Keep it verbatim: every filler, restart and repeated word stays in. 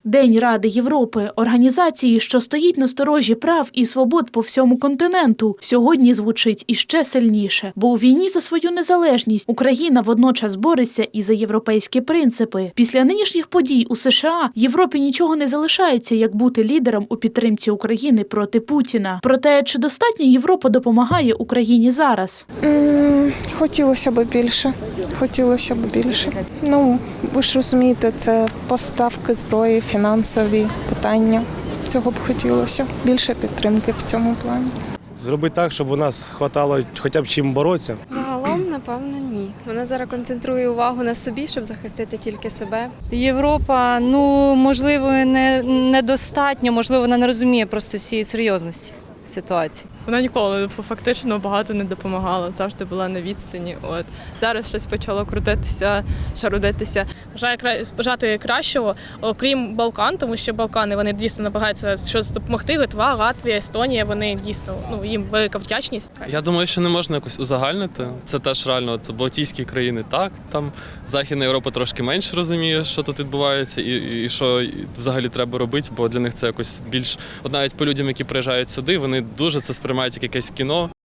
День Ради Європи – організації, що стоїть на сторожі прав і свобод по всьому континенту, сьогодні звучить іще сильніше. Бо у війні за свою незалежність Україна водночас бореться і за європейські принципи. Після нинішніх подій у США Європі нічого не залишається, як бути лідером у підтримці України проти Путіна. Проте, чи достатньо Європа допомагає Україні зараз? М, Хотілося б більше. Хотілося б більше. Ну, ви ж розумієте, це поставки зброї, фінансові питання. Цього б хотілося. Більше підтримки в цьому плані. Зробити так, щоб у нас хватало хоча б чим боротися. Загалом, напевно, ні. Вона зараз концентрує увагу на собі, щоб захистити тільки себе. Європа, ну, можливо, не, недостатньо, можливо, вона не розуміє просто всієї серйозності ситуації. Вона ніколи фактично багато не допомагала, завжди була на відстані. От зараз щось почало крутитися, шарудитися. Бажаю бажати кращого, окрім Балкан, тому що Балкани вони дійсно намагаються щось допомогти. Литва, Латвія, Естонія. Вони дійсно ну їм велика вдячність. Я думаю, що не можна якось узагальнити. Це теж реально от Балтійські країни так, там Західна Європа трошки менше розуміє, що тут відбувається, і, і що взагалі треба робити, бо для них це якось більш от навіть по людям, які приїжджають сюди, вони дуже це сприймають як якесь кіно.